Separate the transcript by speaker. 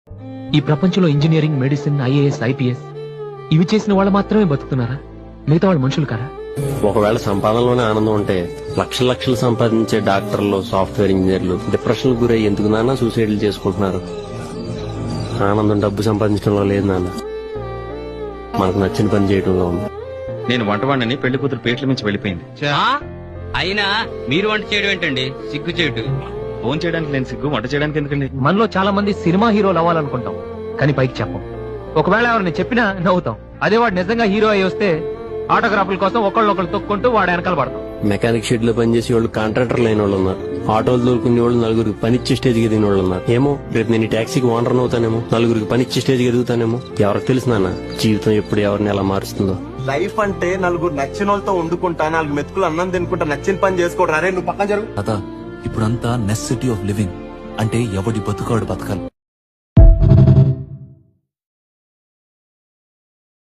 Speaker 1: ఈ ప్రపంచంలో engineering, medicine, IAS, IPS ఇవి చేసిన వాళ్ళు మాత్రమే బతుకుతున్నారా? మిగతా వాళ్ళు మనుషులు కారా?
Speaker 2: ఒకవేళ సంపాదనలోనే ఆనందం ఉంటే లక్షల లక్షలు సంపాదించే డాక్టర్లు, సాఫ్ట్వేర్ ఇంజనీర్లు డిప్రెషన్ గురై ఎందుకు నాన్న సూసైడ్లు చేసుకుంటున్నారు? ఆనందం డబ్బు సంపాదించడంలో లేదు నాన్న, మనకు నచ్చిన పని చేయడంలో ఉంది.
Speaker 3: నేను వంటవాడిని, పెళ్లి కూతురు పేట్ల మించి వెళ్ళిపోయింది.
Speaker 4: అయినా మీరు వంట చేయడం ఏంటండి? సిగ్గు చేయటం.
Speaker 3: ఫోన్ చేయడానికి నేను సిగ్గు, వంట చేయడానికి ఎందుకండి?
Speaker 1: మనలో చాలా మంది సినిమా హీరోలు అవ్వాలనుకుంటాం, కానీ పైకి చెప్పం. ఒకవేళ ఎవరిని చెప్పినా నవ్వుతాం. అదే వాడు నిజంగా హీరో అయి వస్తే ఆటోగ్రాఫ్ల కోసం ఒకళ్ళు తొక్కుంటూ వాడు వెనకాల పడతాం.
Speaker 2: మెకానిక్ షెడ్ లో పనిచేసే వాళ్ళు, కాంట్రాక్టర్లు అయిన వాళ్ళు ఉన్నారు, ఆటోలు దొరుకునే వాళ్ళు, నలుగురికి పనిచ్చే స్టేజ్కి ఎదిగిన వాళ్ళు ఉన్నారు. ఏమో రేపు నేను ఈ టాక్సీకి ఓనర్ అవుతానేమో, నలుగురికి పనిచ్చే స్టేజ్కి ఎదుగుతానేమో. ఎవరికి తెలుసు నాన్న జీవితం ఎప్పుడు ఎవరిని ఎలా మారుస్తుందో.
Speaker 5: లైఫ్ అంటే నలుగురు నచ్చిన వాళ్ళతో వండుకుంటా, నాలుగు మెతుకులు అన్నం తినుకుంటా, నచ్చిన పని చేసుకోవడం. అరే నువ్వు పక్కన జరుగు.
Speaker 6: ఇప్పుడంతా నెసెసిటీ ఆఫ్ లివింగ్ అంటే ఎవడి బతుకాడు బతకాలి.